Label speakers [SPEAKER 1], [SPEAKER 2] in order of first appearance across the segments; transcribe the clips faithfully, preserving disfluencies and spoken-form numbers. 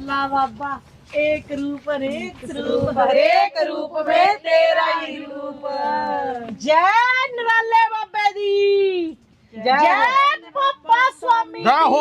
[SPEAKER 1] अल्लाह बाबा एक रूप अनेक रूप हरेक रूप में तेरा ही रूप। जय नराले बाबे दी जय पप्पा स्वामी
[SPEAKER 2] जय हो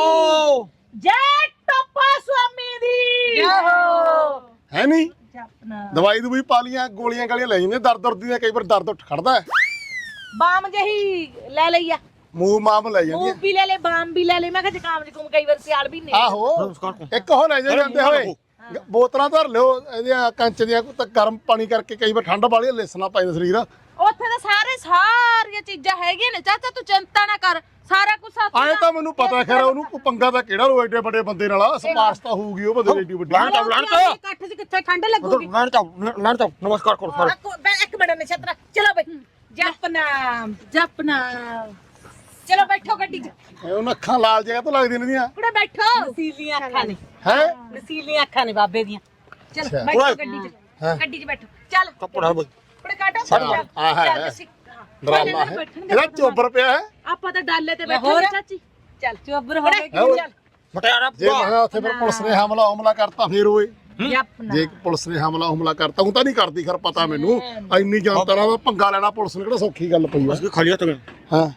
[SPEAKER 1] जय टप्पा स्वामी दी जय हो।
[SPEAKER 3] है नहीं दवाई दुवाई पा लिया गोलियां गालियां ले जाने दर्द दुर्द दी कई बार दर्द उठ खड़दा है
[SPEAKER 1] बाम जही ले लिया
[SPEAKER 3] मूव माम ले जांदी
[SPEAKER 1] मूव भी ले ले बाम भी ले ले मैं जुकाम जुकुम कई बार सियाल भी नहीं
[SPEAKER 3] आहो एक हो ले ਜਾਂਦੇ ਹੋਏ ਬੋਤਲਾਂ ਧਰ ਲਿਓ ਇਹਦੀਆਂ ਕੰਚ ਦੀਆਂ ਤਾਂ ਗਰਮ ਪਾਣੀ ਕਰਕੇ ਕਈ ਵਾਰ ਠੰਡ ਵਾਲੀ ਲੇਸਣਾ ਪੈਂਦਾ ਸਰੀਰ
[SPEAKER 1] ਉੱਥੇ ਤਾਂ ਸਾਰੇ ਸਾਰੀਆਂ ਚੀਜ਼ਾਂ ਹੈਗੀਆਂ ਨੇ ਚਾਚਾ ਤੂੰ ਚਿੰਤਾ ਨਾ ਕਰ ਸਾਰਾ ਕੁਝ ਸਾਥ
[SPEAKER 3] ਆਏ ਤਾਂ ਮੈਨੂੰ ਪਤਾ ਖੈਰ ਉਹਨੂੰ ਕੋਈ ਪੰਗਾ ਤਾਂ ਕਿਹੜਾ ਰੋ ਐਡੇ ਵੱਡੇ ਬੰਦੇ ਨਾਲ ਸਪਾਰਸ਼ ਤਾਂ ਹੋਊਗੀ ਉਹ ਬੰਦੇ ਏਡੀ ਵੱਡੀ
[SPEAKER 2] ਲਾਣ ਚਾਉ ਲਾਣ ਚਾਉ
[SPEAKER 1] ਇਕੱਠ 'ਚ ਕਿੱਥੇ ਠੰਡ ਲੱਗੂਗੀ
[SPEAKER 2] ਲਾਣ ਚਾਉ ਲਾਣ ਚਾਉ ਨਮਸਕਾਰ ਕਰੋ ਸਾਰੇ
[SPEAKER 1] ਇੱਕ ਮਿੰਟ ਨਛਤਰਾ ਚਲੋ ਬਈ ਜਪਨਾਮ ਜਪਨਾਮ ਚਲੋ ਬੈਠੋ ਗੱਡੀ 'ਚ
[SPEAKER 3] ਉਹਨਾਂ ਅੱਖਾਂ ਲਾਲ ਜਿਹਾ ਤੋਂ ਲੱਗਦੀਆਂ ਨੇ ਦੀਆਂ
[SPEAKER 1] ਕੁੜੇ ਬੈਠੋ ਨਸੀਲੀਆਂ ਅੱਖਾਂ ਨੇ
[SPEAKER 3] ਹੈ
[SPEAKER 1] ਨਸੀਲੀਆਂ ਅੱਖਾਂ ਨੇ ਬਾਬੇ ਦੀਆਂ ਚਲ ਬੈਠੋ ਗੱਡੀ 'ਚ ਗੱਡੀ 'ਚ ਬੈਠੋ ਚੱਲ
[SPEAKER 2] ਕੱਪੜਾ ਬਈ
[SPEAKER 1] ਕੁੜੇ ਕਾਟੋ
[SPEAKER 3] ਆ ਹੈ ਡਰਾਮਾ ਹੈ ਇਹਦਾ ਚੋਬਰ ਪਿਆ ਹੈ
[SPEAKER 1] ਆਪਾਂ ਤਾਂ ਡਾਲੇ ਤੇ ਬੈਠੇ ਚਾਚੀ ਚੱਲ ਚੋਬਰ ਹੋਵੇ ਚੱਲ
[SPEAKER 2] ਮਟਿਆਰਾ
[SPEAKER 3] ਜੇ ਮੈਂ ਉੱਥੇ ਫਿਰ ਪੁਲਿਸ ਨੇ ਹਮਲਾ ਹਮਲਾ ਕਰਤਾ ਫੇਰ ਓਏ
[SPEAKER 1] ਜਪਨਾ
[SPEAKER 3] ਜੇ ਪੁਲਿਸ ਨੇ ਹਮਲਾ ਹਮਲਾ ਕਰਤਾ ਉਹ ਤਾਂ ਨਹੀਂ ਕਰਦੀ ਖਰ ਪਤਾ ਮੈਨੂੰ ਇੰਨੀ ਜਨਤਾ ਨਾਲ ਪੰਗਾ ਲੈਣਾ ਪੁਲਿਸ ਨੇ ਕਿਹੜਾ ਸੌਖੀ ਗੱਲ ਪਈ
[SPEAKER 2] ਬਸ ਖਾਲੀ ਹੱਥ ਗਏ
[SPEAKER 3] ਹਾਂ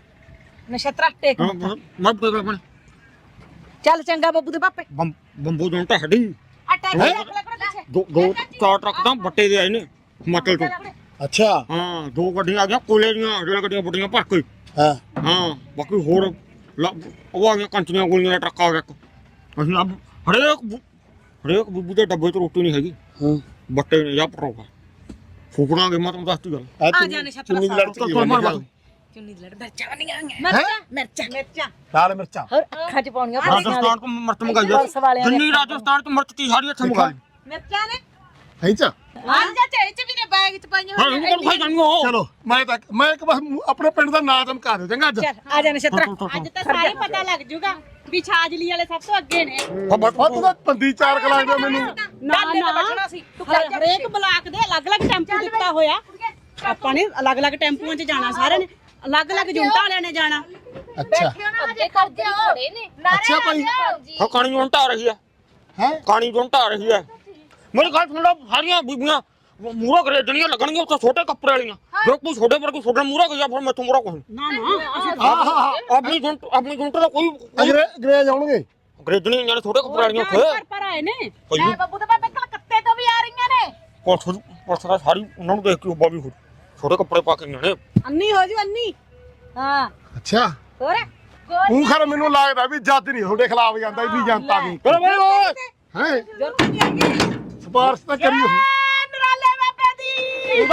[SPEAKER 1] ਨਛਤਰਾ ਟੇਕ
[SPEAKER 2] ਹਾਂ ਮੈਂ ਬੋਲ ਰਿਹਾ
[SPEAKER 1] ਚੱਲ ਚੰਗਾ ਬੱਬੂ ਦੇ ਪਾਪੇ
[SPEAKER 2] ਬੰਬੂ ਜੋਂ ਤਾਂ ਹੱਡੀ
[SPEAKER 1] ਅਟੈਕ ਲੱਗ ਲੱਗ ਪਿੱਛੇ
[SPEAKER 2] ਦੋ ਦੋ ਚਾਰ ਟਰੱਕ ਤਾਂ ਬੱਟੇ ਦੇ ਆਏ ਨੇ ਹਿਮਾਚਲ ਤੋਂ
[SPEAKER 3] ਅੱਛਾ
[SPEAKER 2] ਹਾਂ ਦੋ ਗੱਡੀਆਂ ਆ ਗਈਆਂ ਕੋਲੇ ਦੀਆਂ ਰੇਲ ਗੱਡੀਆਂ ਵੱਡੀਆਂ ਭਰ ਕੇ
[SPEAKER 3] ਹਾਂ
[SPEAKER 2] ਹਾਂ ਬਾਕੀ ਹੋਰ ਉਹ ਆ ਗਈਆਂ ਕੰਚੀਆਂ ਗੋਲੀਆਂ ਦਾ ਟਰੱਕ ਆ ਗਿਆ ਇੱਕ ਅਸੀਂ ਆ ਹਰੇਕ ਹਰੇਕ ਬੁੱਬੂ ਦੇ ਡੱਬੇ 'ਚ ਰੋਟੀ ਨਹੀਂ ਹੈਗੀ
[SPEAKER 3] ਹਾਂ
[SPEAKER 2] ਬੱਟੇ ਨੇ ਜਾਂ ਪਰੋਗਾ ਫੂਕਣਾਗੇ ਮੈਂ ਤੁਹਾਨੂੰ ਦੱਸਤੀ ਗੱਲ
[SPEAKER 1] ਆ ਜਾ ਨਛਤਰਾ
[SPEAKER 3] ਚੁੰਨੀ ਦੀ ਲੜ ਚ ਕੀ ਹੋਣੀ ਗੱਲ
[SPEAKER 1] ਚੁੰਨੀ ਦੀ ਲੜ ਮਿਰਚਾਂ ਬਣੀਆਂ ਮਿਰਚਾਂ ਮਿਰਚਾਂ ਮਿਰਚਾਂ
[SPEAKER 3] ਲਾਲ ਮਿਰਚਾਂ
[SPEAKER 1] ਹੋਰ ਅੱਖਾਂ 'ਚ ਪਾਉਣੀਆਂ
[SPEAKER 2] ਰਾਜਸਥਾਨ ਤੋਂ ਮਿਰਚ ਮੰਗਾਈ ਹੈ ਜਿੰਨੀ ਰਾਜਸਥਾਨ ਤੋਂ ਮਿਰਚ ਤੀ ਸਾਰੀ ਇੱਥੇ ਮੰਗਾਈ
[SPEAKER 1] ਮਿਰਚਾਂ ਨੇ
[SPEAKER 3] ਹੈ ਚਾ
[SPEAKER 1] ਹਾਂ ਚਾਚਾ ਇਹ 'ਚ ਵੀ ਨੇ ਬੈਗ 'ਚ ਪਾਈਆਂ
[SPEAKER 2] ਹਾਂ ਇਹਨੂੰ ਕਿਹਨੂੰ ਖਾਈ ਜਾਣੀਓ
[SPEAKER 3] ਚਲੋ ਮੈਂ ਤਾਂ ਮੈਂ ਇੱਕ ਬਸ ਆਪਣੇ ਪਿੰਡ ਦਾ ਨਾਂ ਚਮਕਾ ਦਿਓ ਚੰਗਾ ਅੱਜ
[SPEAKER 1] ਚੱਲ ਆ ਜਾ ਨਛਤਰਾ ਅੱਜ ਤਾਂ ਸਾਰੇ ਪਤਾ ਲੱਗ ਜੂਗਾ ਵੀ ਛਾਜਲੀ ਵਾਲੇ ਸਭ ਤੋਂ ਅੱਗੇ ਨੇ
[SPEAKER 3] ਉਹ ਤਾਂ ਪੰਦੀ ਚਾਰ ਕਲਾਕ ਦਾ ਮੈਨੂੰ
[SPEAKER 1] ਨਾ ਨਾ ਹਰੇਕ ਬਲਾਕ ਦੇ ਅਲੱਗ-ਅਲੱਗ ਟੈਂਪੂ ਦਿੱਤਾ ਹੋਇਆ ਆਪਾਂ ਨੇ ਅਲੱਗ-ਅਲੱਗ ਟੈਂਪੂਆਂ 'ਚ ਜਾਣਾ ਸਾਰਿਆਂ ਨੇ ਅਲੱਗ-ਅਲੱਗ ਜੁੰਟਾਂ ਵਾਲਿਆਂ ਨੇ ਜਾਣਾ
[SPEAKER 3] ਅੱਛਾ
[SPEAKER 1] ਅੱਗੇ ਕਰਦੇ ਖੜੇ ਨੇ
[SPEAKER 3] ਅੱਛਾ ਭਾਈ
[SPEAKER 2] ਹਾਂ ਕਾਣੀ ਜੋਂ ਢਾ ਰਹੀ ਹੈ
[SPEAKER 3] ਹੈ
[SPEAKER 2] ਕਾਣੀ ਜੋਂ ਢਾ ਰਹੀ ਹੈ ਮੇਰੀ ਗੱਲ ਸੁਣ ਲਓ ਸਾਰੀਆਂ ਬੀਬੀਆਂ ਮੂਰਾ ਖਰੀਦਣੀਆਂ ਲੱਗਣਗੀਆਂ ਉੱਥੇ ਛੋਟੇ ਕੱਪੜੇ ਵਾਲੀਆਂ ਜੇ ਕੋਈ ਛੋਟੇ ਪਰ ਕੋਈ ਛੋਟੇ ਮੂਰਾ ਗਿਆ ਫਿਰ ਮੈਥੋਂ ਮੂਰਾ ਕੋਈ
[SPEAKER 1] ਨਾ ਨਾ
[SPEAKER 3] ਹਾਂ ਹਾਂ
[SPEAKER 2] ਆਪਣੀ ਜੁੰਟ ਆਪਣੀ ਜੁੰਟ ਦਾ ਕੋਈ
[SPEAKER 3] ਅੰਗਰੇਜ਼ ਆਉਣਗੇ
[SPEAKER 2] ਖਰੀਦਣੀ ਜਿਹੜੇ ਛੋਟੇ ਕੱਪੜੇ ਵਾਲੀਆਂ
[SPEAKER 1] ਪਰ
[SPEAKER 2] ਉੱਥੇ
[SPEAKER 1] ਪਰ ਆਏ ਨੇ
[SPEAKER 2] ਭਾਈ
[SPEAKER 1] ਐ ਬੱਬੂ ਦੇ ਪਾਪੇ ਕਲਕੱਤੇ ਤੋਂ ਵੀ ਆ ਰਹੀਆਂ ਨੇ
[SPEAKER 2] ਪੁਲਿਸ ਪੁਲਿਸ ਦਾ ਸਾਰੀ ਉਹਨਾਂ ਨੂੰ ਦੇਖ ਕੇ ਉੱਬਾ ਵੀ ਹੋ ਛੋਟੇ ਕੱਪੜੇ ਪਾ ਕੇ ਗਏ ਨੇ
[SPEAKER 1] ਅੰਨੀ ਹੋ ਜੂ ਅੰਨੀ ਹਾਂ
[SPEAKER 3] ਅੱਛਾ
[SPEAKER 1] ਹੋਰ
[SPEAKER 3] ਤੂੰ ਖਰ ਮੈਨੂੰ ਲੱਗਦਾ ਵੀ ਜੱਜ ਨਹੀਂ ਤੁਹਾਡੇ ਖਿਲਾਫ ਜਾਂਦਾ ਇੰਨੀ ਜਨਤਾ ਦੀ
[SPEAKER 2] ਚਲੋ ਬਈ ਓਏ
[SPEAKER 3] ਹੈ
[SPEAKER 1] ਜ਼ਰੂਰ ਨਹੀਂ ਹੈਗੀ
[SPEAKER 3] ਸਪਾਰਸ਼ ਤਾਂ ਕਰੀ
[SPEAKER 1] ਨਰਾਲੇ ਬਾਬੇ ਦੀ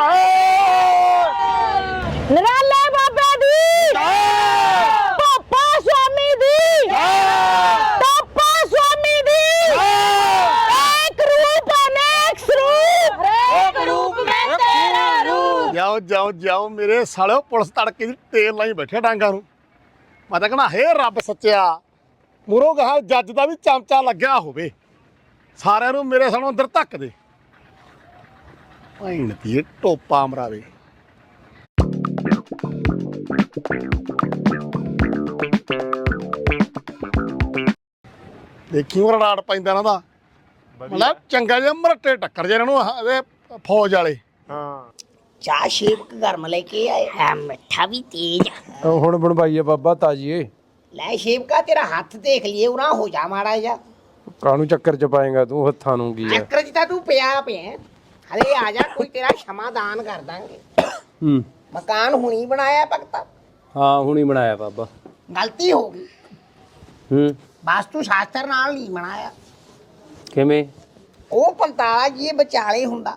[SPEAKER 1] ਨਰਾਲੇ ਬਾਬੇ ਦੀ ਪਾਪਾ ਸਵਾਮੀ ਦੀ ਪਾਪਾ ਸਵਾਮੀ ਦੀ ਇੱਕ ਰੂਪ ਅਨੇਕ ਸਰੂਪ ਹਰੇਕ ਰੂਪ ਵਿੱਚ ਤੇਰਾ ਰੂਪ
[SPEAKER 3] ਜਾਓ ਜਾਓ ਜਾਓ ਮੇਰੇ ਸਾਲਿਓ ਪੁਲਿਸ ਤੜਕੇ ਦੀ ਤੇਲ ਲਾਈ ਬੈਠੇ ਡਾਂਗਾ ਨੂੰ ਮੈਂ ਤਾਂ ਕਹਣਾ ਹੇ ਰੱਬ ਸੱਚਿਆ ਮੂਰੋਂ ਗਾਹ ਜੱਜ ਦਾ ਵੀ ਚਮਚਾ ਲੱਗਿਆ ਹੋਵੇ ਸਾਰਿਆਂ ਨੂੰ ਮੇਰੇ ਸਾਹਮਣੇ ਅੰਦਰ ਧੱਕ ਦੇ ਭੈਣ ਦੀ ਟੋਪਾ ਮਰਾਵੇ ਦੇਖੀ ਉਹ ਰਾੜ ਪੈਂਦਾ ਇਹਨਾਂ ਦਾ ਮਤਲਬ ਚੰਗਾ ਜਿਹਾ ਮਰਟੇ ਟੱਕਰ ਜੇ ਇਹਨਾਂ ਨੂੰ ਇਹਦੇ ਫੌਜ ਵਾਲੇ
[SPEAKER 2] ਹਾਂ
[SPEAKER 4] ਚਾਹ ਸ਼ੇਵਕ ਗਰਮ ਲੈ ਕੇ ਆਏ ਹੈ ਮਿੱਠਾ ਵੀ ਤੇਜ਼
[SPEAKER 5] ਹੁਣ ਬਣਵਾਈ ਆ ਬਾਬਾ ਤਾਜੀਏ
[SPEAKER 4] ਲੈ ਸ਼ੇਵਕਾ ਤੇਰਾ ਹੱਥ ਦੇਖ ਲਈਏ ਉਰਾ ਹੋ ਜਾ ਮਾੜਾ ਜਾ
[SPEAKER 5] ਕਾਹਨੂੰ ਚੱਕਰ ਚ ਪਾਏਗਾ ਤੂੰ ਹੱਥਾਂ ਨੂੰ ਕੀ ਆ
[SPEAKER 4] ਚੱਕਰ ਚ ਤਾਂ ਤੂੰ ਪਿਆ ਪਿਆ ਹਲੇ ਆ ਜਾ ਕੋਈ ਤੇਰਾ ਸ਼ਮਾਦਾਨ ਕਰ ਦਾਂਗੇ
[SPEAKER 5] ਹੂੰ
[SPEAKER 4] ਮਕਾਨ ਹੁਣੀ ਬਣਾਇਆ ਭਗਤਾ
[SPEAKER 5] ਹਾਂ ਹੁਣੀ ਬਣਾਇਆ ਬਾਬਾ
[SPEAKER 4] ਗਲਤੀ ਹੋ ਗਈ
[SPEAKER 5] ਹੂੰ
[SPEAKER 4] ਵਾਸਤੂ ਸ਼ਾਸਤਰ ਨਾਲ ਨਹੀਂ ਬਣਾਇਆ
[SPEAKER 5] ਕਿਵੇਂ
[SPEAKER 4] ਉਹ ਪੰਤਾਲਾ ਜੀ ਇਹ ਵਿਚਾਲੇ ਹੁੰਦਾ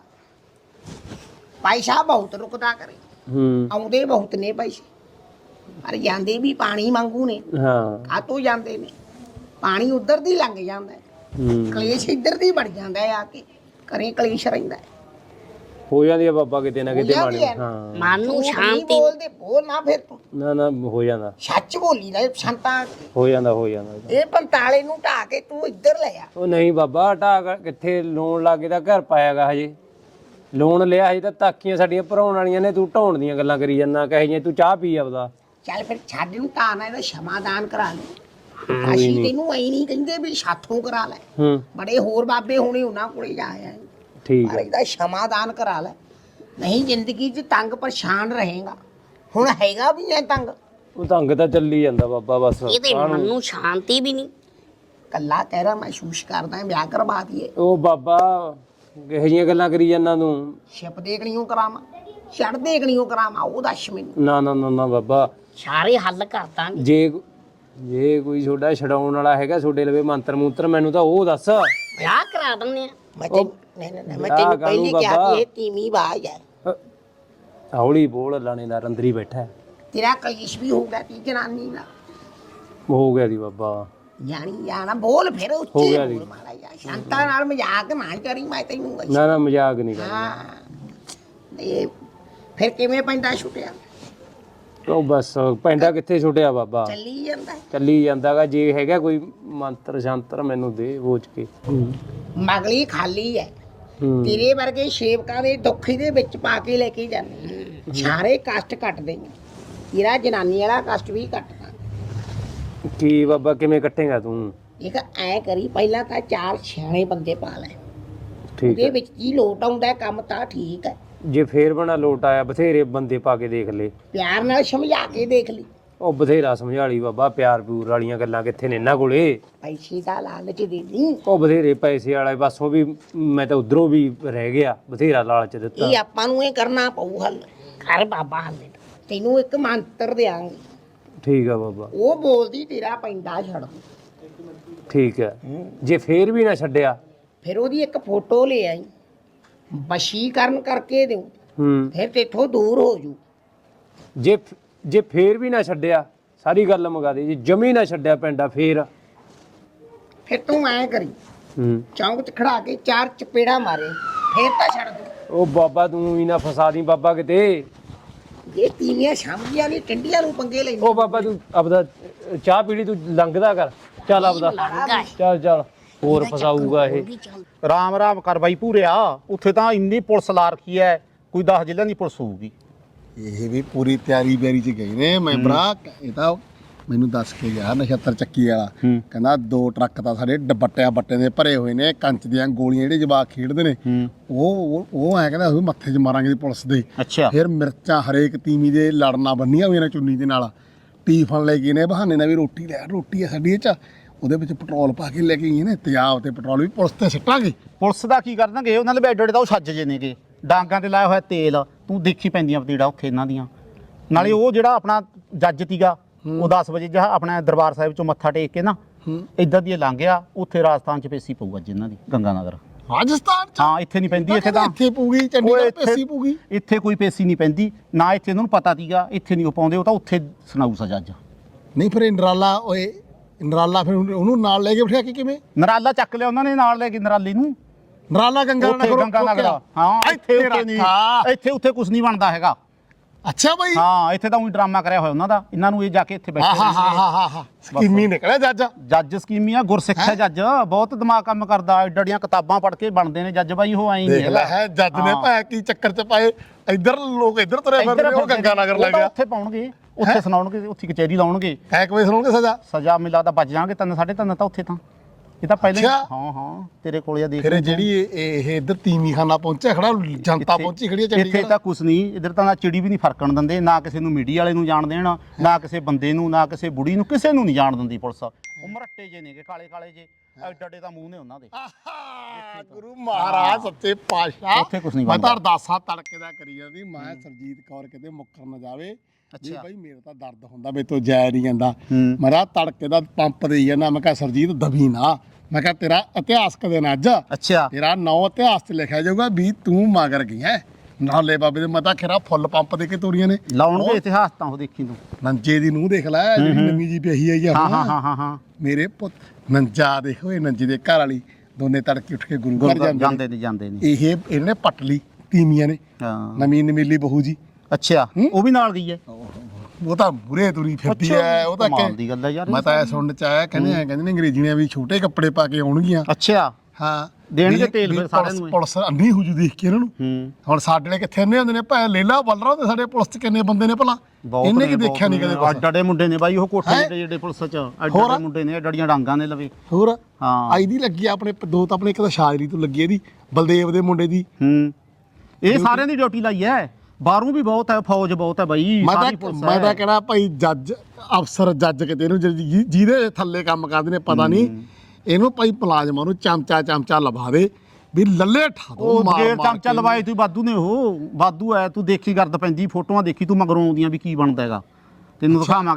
[SPEAKER 4] ਪੈਸਾ ਬਹੁਤ ਰੁਕਦਾ ਕਰੇ
[SPEAKER 5] ਹੂੰ
[SPEAKER 4] ਆਉਂਦੇ ਬਹੁਤ ਨੇ ਪੈਸੇ ਪਰ ਜਾਂਦੇ ਵੀ ਪਾਣੀ ਵਾਂਗੂ ਨੇ
[SPEAKER 5] ਹਾਂ
[SPEAKER 4] ਕਾਤੋਂ ਜਾਂਦੇ ਨੇ ਪਾਣੀ ਉਧਰ ਦੀ ਲੰਘ ਜਾਂਦਾ
[SPEAKER 5] ਹੂੰ
[SPEAKER 4] ਕਲੇਸ਼ ਇੱਧਰ ਦੀ ਵੜ ਜਾਂਦਾ ਹੈ ਆ ਕੇ ਘਰੇ ਕਲੇਸ਼ ਰਹਿੰਦਾ ਹੈ
[SPEAKER 5] ਹੋ ਜਾਂਦੀ ਆ ਬਾਬਾ ਕਿਤੇ ਨਾ ਕਿਤੇ
[SPEAKER 4] ਹੋ ਜਾਂਦੀ
[SPEAKER 5] ਮਾਣੀ
[SPEAKER 4] ਹੈ।
[SPEAKER 5] ਹਾਂ
[SPEAKER 4] ਮਨ ਨੂੰ ਸ਼ਾਂਤੀ ਬੋਲਦੇ ਬੋਲ ਨਾ ਫਿਰ ਤੂੰ
[SPEAKER 5] ਨਾ ਨਾ ਹੋ ਜਾਂਦਾ
[SPEAKER 4] ਸੱਚ ਬੋਲੀ ਨਾ ਸੰਤਾਂ
[SPEAKER 5] ਹੋ ਜਾਂਦਾ ਹੋ ਜਾਂਦਾ
[SPEAKER 4] ਇਹ ਪੰਤਾਲੇ ਨੂੰ ਢਾ ਕੇ ਤੂੰ ਇੱਧਰ ਲੈ ਆ
[SPEAKER 5] ਉਹ ਨਹੀਂ ਬਾਬਾ ਢਾ ਕਿੱਥੇ ਲੋਨ ਲਾ ਕੇ ਤਾਂ ਘਰ ਪਾਇਆਗਾ ਹਜੇ ਲੋਨ ਲਿਆ ਹਜੇ ਤਾਂ ਤਾਕੀਆਂ ਸਾਡੀਆਂ ਭਰਾਉਣ ਵਾਲੀਆਂ ਨੇ ਤੂੰ ਢਾਉਣ ਦੀਆਂ ਗੱਲਾਂ ਕਰੀ ਜਾਂਦਾ ਕਹੇ ਜੇ ਤੂੰ ਚਾਹ ਪੀ ਆਪਦਾ
[SPEAKER 4] ਚੱਲ ਫਿਰ ਛੱਡ ਨੂੰ ਤਾਂ ਨਾ ਇਹਦਾ ਸ਼ਮਾਦਾਨ ਕਰਾ ਲੈ ਅਸੀਂ ਤੈਨੂੰ ਐ ਨਹੀਂ ਕਹਿੰਦੇ ਵੀ ਸਾਥੋਂ ਕਰਾ ਲੈ
[SPEAKER 5] ਹੂੰ
[SPEAKER 4] ਬੜੇ ਹੋਰ ਬਾਬੇ ਹੋਣੇ ਉਹਨਾਂ ਕੋਲੇ ਜਾ ਆਇਆ
[SPEAKER 5] ਠੀਕ
[SPEAKER 4] ਪਰ
[SPEAKER 5] ਹੈ
[SPEAKER 4] ਇਹਦਾ ਸਮਾਧਾਨ ਕਰਾ ਲੈ ਨਹੀਂ ਜ਼ਿੰਦਗੀ 'ਚ ਤੰਗ ਪਰੇਸ਼ਾਨ ਰਹੇਗਾ ਹੁਣ ਹੈਗਾ ਵੀ ਐ ਤੰਗ
[SPEAKER 5] ਉਹ ਢੰਗ ਤਾਂ ਚੱਲੀ ਜਾਂਦਾ ਬਾਬਾ ਬਸ
[SPEAKER 6] ਇਹਦੇ ਮਨ ਨੂੰ ਸ਼ਾਂਤੀ ਵੀ ਨਹੀਂ।
[SPEAKER 4] ਕੱਲਾ ਕਹਿਰਾ ਮਹਿਸੂਸ ਕਰਦਾ ਵਿਆਹ ਕਰਵਾ ਦਈਏ
[SPEAKER 5] ਉਹ ਬਾਬਾ ਕਿਹੋ ਜਿਹੀਆਂ ਗੱਲਾਂ ਕਰੀ ਜਾਂਦਾ ਤੂੰ
[SPEAKER 4] ਛਿਪ ਦੇਖਣੀਓ ਕਰਾਵਾਂ ਛੜ ਦੇਖਣੀਓ ਕਰਾਵਾਂ ਉਹ ਦੱਸ ਮੈਨੂੰ
[SPEAKER 5] ਨਾ ਨਾ ਨਾ ਨਾ ਬਾਬਾ
[SPEAKER 6] ਸਾਰੇ ਹੱਲ ਕਰ ਦਾਂਗੇ।
[SPEAKER 5] ਜੇ ਜੇ ਕੋਈ ਛੋਡਾ ਛਡਾਉਣ ਵਾਲਾ ਹੈਗਾ ਛੋਡੇ ਲਵੇ ਮੰਤਰ ਮੂਤਰ ਮੈਨੂੰ ਤਾਂ ਉਹ ਦੱਸ
[SPEAKER 6] ਵਿਆਹ ਕਰਾ ਦਿੰਦੇ ਆ।
[SPEAKER 4] ਮੈਂ ਤੈਨੂੰ ਨਹੀਂ ਨਹੀਂ ਮੈਂ
[SPEAKER 5] ਵਿਆਹ
[SPEAKER 4] ਤੈਨੂੰ
[SPEAKER 5] ਕਾਹਨੂੰ
[SPEAKER 4] ਪਹਿਲੀ ਕਿਹਾ
[SPEAKER 5] ਬਾਬਾ?
[SPEAKER 4] ਕਿ ਇਹ ਤੀਵੀਂ ਬਾਜ ਹੈ
[SPEAKER 5] ਅ, ਹੌਲੀ ਬੋਲ ਲਾਣੇਦਾਰ ਅੰਦਰ ਹੀ ਬੈਠਾ ਹੈ।
[SPEAKER 4] ਤੇਰਾ ਕਲੇਸ਼ ਵੀ ਹੋਊਗਾ ਤੀ ਜਨਾਨੀ ਨਾਲ
[SPEAKER 5] ਹੋ ਗਿਆ ਦੀ ਬਾਬਾ
[SPEAKER 4] ਜਾਣੀ ਜਾਣਾ ਬੋਲ ਫਿਰ
[SPEAKER 5] ਹੋ
[SPEAKER 4] ਉੱਚੀ
[SPEAKER 5] ਗਿਆ ਜੀ।
[SPEAKER 4] ਬੋਲ ਮਾੜਾ ਜਿਹਾ ਸ਼ਾਂਤਾ ਨਾਲ ਮਜ਼ਾਕ ਨਾ ਕਰੀ ਮੈਂ ਤੈਨੂੰ ਕਹੀ
[SPEAKER 5] ਨਾ ਨਾ ਮਜ਼ਾਕ ਨਹੀਂ ਕਰਦਾ
[SPEAKER 4] ਹਾਂ ਇਹ ਫਿਰ ਕਿਵੇਂ ਪੈਂਦਾ ਛੁੱਟਿਆ
[SPEAKER 5] ਉਹ ਬਸ ਪੈਂਡਾ ਕਿੱਥੇ ਛੁੱਟਿਆ ਬਾਬਾ
[SPEAKER 4] ਚੱਲੀ ਜਾਂਦਾ
[SPEAKER 5] ਚੱਲੀ ਜਾਂਦਾਗਾ ਜੇ ਹੈਗਾ ਕੋਈ ਮੰਤਰ ਸ਼ੰਤਰ ਮੈਨੂੰ ਦੇ ਬੋਝ ਕੇ
[SPEAKER 4] ਮਗਲੀ ਖਾਲੀ ਹੈ
[SPEAKER 5] ਹੂੰ
[SPEAKER 4] ਤੇਰੇ ਵਰਗੇ ਸੇਵਕਾਂ ਦੇ ਦੁੱਖ ਦੇ ਵਿੱਚ ਪਾ ਕੇ ਲੈ ਕੇ ਜਾਂਦੇ ਸਾਰੇ ਕਸ਼ਟ ਕੱਟਦੇ ਨੇ ਤੇਰਾ ਜਨਾਨੀ ਵਾਲਾ ਕਸ਼ਟ ਵੀ ਕੱਟਦਾ
[SPEAKER 5] ਕੀ ਬਾਬਾ ਕਿਵੇਂ ਕੱਟੇਗਾ ਤੂੰ
[SPEAKER 4] ਇੱਕ ਐ ਕਰੀ ਪਹਿਲਾਂ ਤਾਂ ਚਾਰ ਸਿਆਣੇ ਬੰਦੇ ਪਾ ਲੈ
[SPEAKER 5] ਠੀਕ
[SPEAKER 4] ਉਹਦੇ
[SPEAKER 5] ਹੈ
[SPEAKER 4] ਵਿੱਚ ਕੀ ਲੋਟ ਆਉਂਦਾ ਹੈ, ਕੰਮ ਤਾਂ ਠੀਕ ਹੈ
[SPEAKER 5] ਜੇ ਫੇਰ ਬਣਾ ਲੋਟ ਆਇਆ ਬਥੇਰੇ ਬੰਦੇ ਪਾ ਕੇ ਦੇਖ ਲੈ
[SPEAKER 4] ਪਿਆਰ ਨਾਲ ਸਮਝਾ ਕੇ ਦੇਖ ਲਈ
[SPEAKER 5] ਉਹ ਬਥੇਰਾ ਸਮਝਾਲੀ ਬਾਬਾ ਪਿਆਰ ਪਿਊਰ ਵਾਲੀਆਂ ਗੱਲਾਂ ਕਿੱਥੇ ਨੇ ਇਹਨਾਂ ਕੋਲੇ
[SPEAKER 4] ਪੈਸੇ ਦਾ ਲਾਲਚ ਦੇ ਦੀ
[SPEAKER 5] ਉਹ ਬਥੇਰੇ ਪੈਸੇ ਵਾਲਾ ਪਾਸੋਂ ਵੀ ਮੈਂ ਤਾਂ ਉਧਰੋਂ ਵੀ ਰਹਿ ਗਿਆ ਬਥੇਰਾ ਲਾਲਚ ਦਿੱਤਾ
[SPEAKER 4] ਇਹ ਆਪਾਂ ਨੂੰ ਇਹ ਕਰਨਾ ਪਊ ਹੱਲ
[SPEAKER 6] ਕਰ ਬਾਬਾ ਹੱਲ।
[SPEAKER 4] ਤੈਨੂੰ ਇੱਕ ਮੰਤਰ ਦਿਆਂਗੇ
[SPEAKER 5] ਠੀਕ ਆ ਬਾਬਾ
[SPEAKER 4] ਉਹ ਬੋਲਦੀ ਤੇਰਾ ਪੈਂਦਾ ਛੱਡ
[SPEAKER 5] ਠੀਕ ਹੈ ਜੇ ਫੇਰ ਵੀ ਨਾ ਛੱਡਿਆ
[SPEAKER 4] ਫਿਰ ਉਹਦੀ ਇੱਕ ਫੋਟੋ ਲੈ ਆਈ ਵਸ਼ੀਕਰਨ ਕਰਕੇ ਦਿਉ
[SPEAKER 5] ਹੂੰ
[SPEAKER 4] ਫਿਰ ਤੇਥੋਂ ਦੂਰ ਹੋ ਜੂ
[SPEAKER 5] ਜੇ ਜੇ ਫੇਰ ਵੀ ਨਾ ਛੱਡਿਆ ਸਾਰੀ ਗੱਲ ਮੁਕਾ ਦੇ ਜੇ ਜਮੀ ਨਾ ਛੱਡਿਆ ਪੈਂਡਾ ਫੇਰ
[SPEAKER 4] ਫਿਰ ਤੂੰ ਐ ਕਰੀ
[SPEAKER 5] ਹੂੰ
[SPEAKER 4] ਚੌਂਕ 'ਚ ਖੜਾ ਕੇ ਚਾਰ ਚਪੇੜਾ ਮਾਰੇ ਫਿਰ ਤਾਂ ਛੱਡ ਦੂ
[SPEAKER 5] ਉਹ ਬਾਬਾ ਤੂੰ ਵੀ ਨਾ ਫਸਾ ਦੀ ਬਾਬਾ ਕਿਤੇ
[SPEAKER 4] ਇਹ ਤੀਵੀਆਂ ਸ਼ਾਮੀਆਂ ਨੇ ਟੰਡੀਆਂ ਨੂੰ ਪੰਗੇ ਲੈਂਦੇ
[SPEAKER 5] ਉਹ ਬਾਬਾ ਤੂੰ ਆਪਦਾ ਚਾਹ ਪੀੜੀ ਤੂੰ ਲੰਘਦਾ ਕਰ ਚੱਲ ਆਪਦਾ ਚੱਲ ਚੱਲ ਹੋਰ ਫਸਾਊਗਾ ਇਹ
[SPEAKER 7] ਰਾਮ ਰਾਮ ਕਰ ਬਾਈ ਪੂਰਿਆ ਉੱਥੇ ਤਾਂ ਇੰਨੀ ਪੁਲਿਸ ਲਾ ਰੱਖੀ ਐ ਕੋਈ ਦਸ ਜ਼ਿਲ੍ਹਿਆਂ ਦੀ ਪੁਲਿਸ ਹੋਊਗੀ
[SPEAKER 3] ਇਹ ਵੀ ਪੂਰੀ ਤਿਆਰੀ ਬਿਆਰੀ ਚ ਗਏ ਨੇ ਮੈਂਬਰਾ ਇਹ ਤਾਂ ਮੈਨੂੰ ਦੱਸ ਕੇ ਗਿਆ ਨਛੱਤਰ ਚੱਕੀ ਵਾਲਾ ਕਹਿੰਦਾ ਦੋ ਟਰੱਕ ਤਾਂ ਸਾਡੇ ਡੱਬਟਿਆਂ ਬੱਟੇ ਦੇ ਭਰੇ ਹੋਏ ਨੇ ਕੰਚ ਦੀਆਂ ਗੋਲੀਆਂ ਜਿਹੜੇ ਜਵਾਕ ਖੇਡਦੇ ਨੇ ਉਹ ਉਹ ਐ ਕਹਿੰਦਾ ਉਹ ਮੱਥੇ 'ਚ ਮਾਰਾਂਗੇ ਦੀ ਪੁਲਿਸ ਦੇ
[SPEAKER 7] ਅੱਛਾ
[SPEAKER 3] ਫਿਰ ਮਿਰਚਾਂ ਹਰੇਕ ਤੀਵੀਂ ਦੇ ਲੜਨਾ ਬੰਨੀਆਂ ਹੋਈਆਂ ਨੇ ਚੁੰਨੀ ਦੇ ਨਾਲ ਟੀਫਨ ਲੈ ਗਏ ਨੇ ਬਹਾਨੇ ਨਾਲ ਵੀ ਰੋਟੀ ਲੈ ਰੋਟੀ ਆ ਸਾਡੀ ਇਹ 'ਚ ਉਹਦੇ ਵਿੱਚ ਪੈਟਰੋਲ ਪਾ ਕੇ ਲੈ ਕੇ ਗਏ ਨੇ ਤੇਜ਼ਾਬ ਤੇ ਪੈਟਰੋਲ ਵੀ ਪੁਲਿਸ ਤੇ ਸਿੱਟਾਂਗੇ
[SPEAKER 7] ਪੁਲਿਸ ਦਾ ਕੀ ਕਰਨਗੇ ਉਹਨਾਂ ਦੇ ਬੈਡ ਤਾਂ ਉਹ ਛੱਜ ਜੇ ਨੇਗੇ ਡਾਂਗਾਂ ਤੇ ਲਾਇਆ ਹੋਇਆ ਤੇਲ ਤੂੰ ਦੇਖੀ ਪੈਂਦੀਆਂ ਪਤੀੜਾ ਉੱਥੇ ਇਹਨਾਂ ਦੀਆਂ ਨਾਲੇ ਉਹ ਜਿਹੜਾ ਆਪਣਾ ਜੱਜ ਤੀਗਾ ਉਹ ਦਸ ਵਜੇ ਜਹਾ ਆਪਣਾ ਦਰਬਾਰ ਸਾਹਿਬ ਚੋਂ ਮੱਥਾ ਟੇਕ ਕੇ ਨਾ ਇੱਧਰ ਦੀ ਲੰਘ ਗਿਆ ਉੱਥੇ ਰਾਜਸਥਾਨ ਚ ਪੇਸੀ ਪਊ ਅੱਜ ਇਹਨਾਂ ਦੀ ਗੰਗਾ ਨਗਰ
[SPEAKER 3] ਰਾਜਸਥਾਨ 'ਚ
[SPEAKER 7] ਹਾਂ ਇੱਥੇ ਨਹੀਂ ਪੈਂਦੀ ਇੱਥੇ ਤਾਂ
[SPEAKER 3] ਇੱਥੇ ਪੂਗੀ
[SPEAKER 7] ਓਏ
[SPEAKER 3] ਚੰਡੀਗੜ੍ਹ
[SPEAKER 7] ਇੱਥੇ-
[SPEAKER 3] ਪੇਸੀ ਪੂਗੀ
[SPEAKER 7] ਇੱਥੇ ਕੋਈ ਪੇਸੀ ਨਹੀਂ ਪੈਂਦੀ ਨਾ ਇੱਥੇ ਇਹਨਾਂ ਨੂੰ ਪਤਾ ਤੀਗਾ ਇੱਥੇ ਨਹੀਂ ਉਹ ਪਾਉਂਦੇ ਉਹ ਤਾਂ ਉੱਥੇ ਸੁਣਾਊ ਸਜ਼ਾ ਅੱਜ
[SPEAKER 3] ਨਹੀਂ ਫਿਰ ਇਹ ਨਰਾਲਾ ਓਏ ਨਰਾਲਾ ਫਿਰ ਉਹਨੂੰ ਨਾਲ ਲੈ ਕੇ ਬਿਠਾ ਕੇ ਕਿਵੇਂ
[SPEAKER 7] ਨਰਾਲਾ ਚੱਕ ਲਿਆ ਉਹਨਾਂ ਨੇ ਨਾਲ ਲੈ ਕੇ ਨਰਾਲੀ ਨੂੰ
[SPEAKER 3] ਨਰਾਲਾ ਗੰਗਾ
[SPEAKER 7] ਉੱਥੇ
[SPEAKER 3] ਨਗਰ
[SPEAKER 7] ਗੰਗਾ ਨਗਰ ਹਾਂ ਇੱਥੇ ਉੱਥੇ ਨਹੀਂ ਇੱਥੇ ਉੱਥੇ ਕੁਝ ਨਹੀਂ ਬਣਦਾ ਹੈਗਾ
[SPEAKER 3] ਅੱਛਾ ਬਾਈ
[SPEAKER 7] ਹਾਂ ਇੱਥੇ ਤਾਂ ਉਹੀ ਡਰਾਮਾ ਕਰਿਆ ਹੋਇਆ ਉਹਨਾਂ ਦਾ ਇਹਨਾਂ ਨੂੰ ਇਹ ਜਾ ਕੇ ਇੱਥੇ ਬੈਠੇ
[SPEAKER 3] ਹਾਂ ਹਾਂ ਹਾਂ ਹਾਂ ਹਾਂ ਹਾਂ ਸਕੀਮੀ ਨਿਕਲਿਆ ਜੱਜ
[SPEAKER 7] ਜੱਜ ਸਕੀਮੀ ਆ ਗੁਰਸਿੱਖ ਹੈ ਜੱਜ ਬਹੁਤ ਦਿਮਾਗ ਕੰਮ ਕਰਦਾ ਐਡੜੀਆਂ ਕਿਤਾਬਾਂ ਪੜ੍ਹ ਕੇ ਬਣਦੇ ਨੇ ਜੱਜ ਬਾਈ ਉਹ ਐਂ ਨਹੀਂ
[SPEAKER 3] ਦੇਖ ਲੈ ਹੈ ਜੱਜ ਨੇ ਭਾਇਆ ਕੀ ਚੱਕਰ 'ਚ ਪਾਏ ਇੱਧਰ ਲੋਕ ਇੱਧਰ ਤੁਰੇ ਫਿਰਦੇ ਨੇ, ਉਹ ਗੰਗਾ ਨਗਰ ਲੱਗ ਗਿਆ
[SPEAKER 7] ਉੱਥੇ ਪਾਉਣਗੇ ਉੱਥੇ ਸੁਣਾਉਣਗੇ ਉੱਥੇ ਕਚਹਿਰੀ ਲਾਉਣਗੇ
[SPEAKER 3] ਹੈ ਕਿ ਵੇ ਸੁਣੋਗੇ ਸਜ਼ਾ
[SPEAKER 7] ਸਜ਼ਾ ਮੈਨੂੰ ਲੱਗਦਾ ਬਚ ਜਾਣਗੇ ਤਿੰਨ ਸਾਢੇ ਤਿੰਨ ਤਾਂ ਉੱਥੇ ਤਾਂ ਇਹ ਤਾਂ ਪਹਿਲਾਂ ਹੀ-
[SPEAKER 3] ਅੱਛਾ।
[SPEAKER 7] ਹਾਂ ਹਾਂ ਤੇਰੇ ਕੋਲ ਆ ਦੇਖ
[SPEAKER 3] ਫਿਰ ਇਹ ਜਿਹੜੀ ਇਹ ਇਹ ਇੱਧਰ ਤੀਵੀਂ ਖਾਨਾ ਪਹੁੰਚਿਆ ਖੜਾ ਜਨਤਾ
[SPEAKER 7] ਇੱਥੇ-
[SPEAKER 3] ਪਹੁੰਚੀ ਖੜੀ ਹੈ
[SPEAKER 7] ਇੱਥੇ
[SPEAKER 3] ਚੰਡੀਗੜ੍ਹ
[SPEAKER 7] ਤਾਂ ਕੁਛ ਨਹੀਂ ਇੱਧਰ ਤਾਂ ਨਾ ਚਿੜੀ ਵੀ ਨਹੀਂ ਫਰਕਣ ਦਿੰਦੇ ਨਾ ਕਿਸੇ ਨੂੰ ਮੀਡੀਆ ਵਾਲੇ ਨੂੰ ਜਾਣ ਦੇਣ ਨਾ ਕਿਸੇ ਬੰਦੇ ਨੂੰ ਨਾ ਕਿਸੇ ਬੁੜੀ ਨੂੰ ਕਿਸੇ ਨੂੰ ਨਹੀਂ ਜਾਣ ਦਿੰਦੀ ਪੁਲਿਸ ਉਹ ਮਰੱਟੇ ਜੇ ਨੇਗੇ ਕਾਲੇ ਕਾਲੇ ਜੇ ਐਡੇ ਐਡੇ ਤਾਂ ਮੂੰਹ ਨੇ ਉਹਨਾਂ ਦੇ
[SPEAKER 3] ਆਹਾ, ਗੁਰੂ ਮਹਾਰਾਜ ਸੱਚੇ ਪਾਤਸ਼ਾਹ
[SPEAKER 7] ਉੱਥੇ ਕੁਛ ਨਹੀਂ
[SPEAKER 3] ਮੈਂ ਤਾਂ
[SPEAKER 7] ਬਣਦਾ।
[SPEAKER 3] ਅਰਦਾਸਾਂ ਤੜਕੇ ਦਾ ਕਰੀ ਜਾਂਦੀ ਮੈਂ ਸਰਜੀਤ ਕੌਰ ਕਿਤੇ ਮੁੱਕਰ ਨਾ ਜਾਵੇ ਜੀ ਭਾਈ ਮੇਰਾ ਤਾਂ ਦਰਦ ਹੁੰਦਾ ਮੇਰੇ ਤੋਂ ਜਾਇ ਨਹੀਂ ਜਾਂਦਾ ਮੈਂ ਤਾਂ ਤੜਕੇ ਦਾ ਪੰਪ ਦੇਈ ਜਾਂਦਾ ਮੈਂ ਕਿਹਾ ਸਰਜੀਤ ਦਬੀ ਨਾ ਮੈਂ ਕਿਹਾ ਤੇਰਾ ਇਤਿਹਾਸਕ ਦਿਨ ਅੱਜ
[SPEAKER 7] ਅੱਛਾ
[SPEAKER 3] ਤੇਰਾ ਨਾਂ ਇਤਿਹਾਸ 'ਚ ਲਿਖਿਆ ਜਾਊਗਾ ਵੀ ਤੂੰ ਮਗਰ ਗਈ ਹੈ ਨਾਲੇ ਬਾਬੇ ਦੇ ਮਤਾ ਖੇਰਾ ਫੁੱਲ ਪੰਪ ਦੇ ਕੇ ਤੋਰੀਆਂ ਨੇ
[SPEAKER 7] ਲਾਉਣਗੇ ਇਤਿਹਾਸ ਤਾਂ ਉਹ ਦੇਖੀ ਤੂੰ
[SPEAKER 3] ਨੰਜੇ ਦੀ ਨੂੰਹ ਦੇਖ ਲੈ ਜਿਹੜੀ ਨਵੀਂ ਜੀ ਪਈ ਆਈ ਆ
[SPEAKER 7] ਹਾਂ
[SPEAKER 3] ਹੁਣ।
[SPEAKER 7] ਹਾਂ ਹਾਂ ਹਾਂ ਹਾਂ
[SPEAKER 3] ਮੇਰੇ ਪੁੱਤ ਨੰਜਾ ਦੇਖੋ ਇਹ ਨੰਜੀ ਦੇ ਘਰ ਵਾਲੀ ਦੋਨੇ ਤੜਕੇ ਉੱਠ ਕੇ ਗੁਰੂ ਘਰ
[SPEAKER 7] ਗੁਰੂ
[SPEAKER 3] ਜਾਂਦੇ
[SPEAKER 7] ਜਾਂਦੇ ਨੇ ਜਾਂਦੇ ਨੇ
[SPEAKER 3] ਇਹ ਇਹਨੇ ਪੱਟ ਲਈ ਤੀਮੀਆਂ ਨੇ
[SPEAKER 7] ਹਾਂ
[SPEAKER 3] ਨਵੀਂ ਨਮੀਲੀ ਬਹੂ ਜੀ
[SPEAKER 7] ਅੱਛਾ ਉਹ ਵੀ ਨਾਲ ਗਈ ਹੈ
[SPEAKER 3] ਉਹ ਤਾਂ ਬੁਰੇ ਤੁਰੀ ਫਿਰਦੀ ਐ ਉਹ ਤਾਂ
[SPEAKER 7] ਕਮਾਲ
[SPEAKER 3] ਕਿ-
[SPEAKER 7] ਦੀ ਗੱਲ ਹੈ ਯਾਰ
[SPEAKER 3] ਮੈਂ ਤਾਂ ਇਹ ਸੁਣਨ ਚ ਆਇਆ ਕਹਿੰਦੇ ਆ ਕਹਿੰਦੇ ਨੇ ਅੰਗਰੇਜ਼ੀਆਂ ਵੀ ਛੋਟੇ ਕੱਪੜੇ ਪਾ ਕੇ ਆਉਣਗੀਆਂ
[SPEAKER 7] ਅੱਛਾ
[SPEAKER 3] ਹਾਂ
[SPEAKER 7] ਦੇਣਗੇ
[SPEAKER 3] ਵੀ-
[SPEAKER 7] ਤੇਲ
[SPEAKER 3] ਵੀ
[SPEAKER 7] ਫਿਰ ਸਾਰਿਆਂ
[SPEAKER 3] ਪੁਲਿਸ-
[SPEAKER 7] ਨੂੰ ਇਹ।
[SPEAKER 3] ਪੁਲਿਸ ਅੰਨੀ ਹੋ ਜੂ ਦੇਖ ਕੇ ਇਹਨਾਂ ਨੂੰ
[SPEAKER 7] ਹੂੰ
[SPEAKER 3] ਹੁਣ ਸਾਡੇ ਵਾਲੇ ਕਿੱਥੇ ਅੰਨੇ ਹੁੰਦੇ ਨੇ ਭਾਵੇਂ ਲੇਲਾ ਬਲਰਾ ਹੁੰਦੇ ਸਾਡੇ ਪੁਲਿਸ 'ਚ ਕਿੰਨੇ ਬੰਦੇ ਨੇ ਭਲਾ ਇਹਨੇ ਕੀ ਦੇਖਿਆ ਨਹੀਂ ਕਦੇ ਕੁਛ।
[SPEAKER 7] ਅੱਡ ਅੱਡੇ ਮੁੰਡੇ ਨੇ ਬਾਈ ਉਹ ਕੋਠੇ
[SPEAKER 3] ਹੈਂ?
[SPEAKER 7] ਦੇ ਜਿਹੜੇ ਪੁਲਿਸ ਚ ਅੱਡ
[SPEAKER 3] ਹੋਰ?
[SPEAKER 7] ਅੱਡੇ ਮੁੰਡੇ ਨੇ ਡੜੀਆਂ ਡਾਂਗਾਂ ਨੇ ਲਵੇ
[SPEAKER 3] ਹੋਰ
[SPEAKER 7] ਹਾਂ
[SPEAKER 3] ਆਈ ਦੀ ਲੱਗੀ ਆ ਆਪਣੇ ਦੋ ਤਾਂ ਆਪਣੇ ਇੱਕ ਤਾਂ ਸ਼ਾਜਰੀ ਤੋਂ ਲੱਗੀ ਇਹਦੀ ਬਲਦੇਵ ਦੇ ਮੁੰਡੇ ਦੀ
[SPEAKER 7] ਹੂੰ ਇਹ ਸਾਰਿਆਂ ਦੀ ਡਿਊਟੀ ਲਾਈ ਹੈ ਬਾਹਰੋਂ ਵੀ ਬਹੁਤ ਹੈ ਫੌਜ ਬਹੁਤ ਹੈ ਬਾਈ
[SPEAKER 3] ਮੈਂ
[SPEAKER 7] ਸਾਰੀ
[SPEAKER 3] ਤਾਂ
[SPEAKER 7] ਪੁਲਿਸ
[SPEAKER 3] ਮੈਂ ਤਾਂ
[SPEAKER 7] ਹੈ
[SPEAKER 3] ਕਹਿਣਾ ਭਾਈ ਜੱਜ ਅਫਸਰ ਜੱਜ ਕਿਤੇ ਇਹਨੂੰ ਜਿਹਦੀ- ਜਿਹਦੇ ਥੱਲੇ ਕੰਮ ਕਰਦੇ ਨੇ ਪਤਾ ਨਹੀਂ ਇਹਨੂੰ ਭਾਈ ਮੁਲਾਜ਼ਮਾਂ ਨੂੰ ਚਮਚਾ ਚਮਚਾ ਲਵਾ ਦੇ ਵੀ ਲੱਲੇ ਠਾ ਦੋ
[SPEAKER 7] ਉਹ
[SPEAKER 3] ਮਾਰ
[SPEAKER 7] ਗੇਰ
[SPEAKER 3] ਮਾਰ
[SPEAKER 7] ਚਮਚਾ
[SPEAKER 3] ਕੇ।
[SPEAKER 7] ਲਵਾਏ ਤੂੰ ਵਾਧੂ ਨੇ ਉਹ ਵਾਧੂ ਐ ਤੂੰ ਦੇਖੀ ਕਰਦ ਪੈਂਦੀ ਫੋਟੋਆਂ ਦੇਖੀ ਤੂੰ ਮਗਰੋਂ ਆਉਂਦੀਆਂ ਵੀ ਕੀ ਬਣਦਾ ਹੈਗਾ ਤੈਨੂੰ ਦਿਖਾਵਾਂ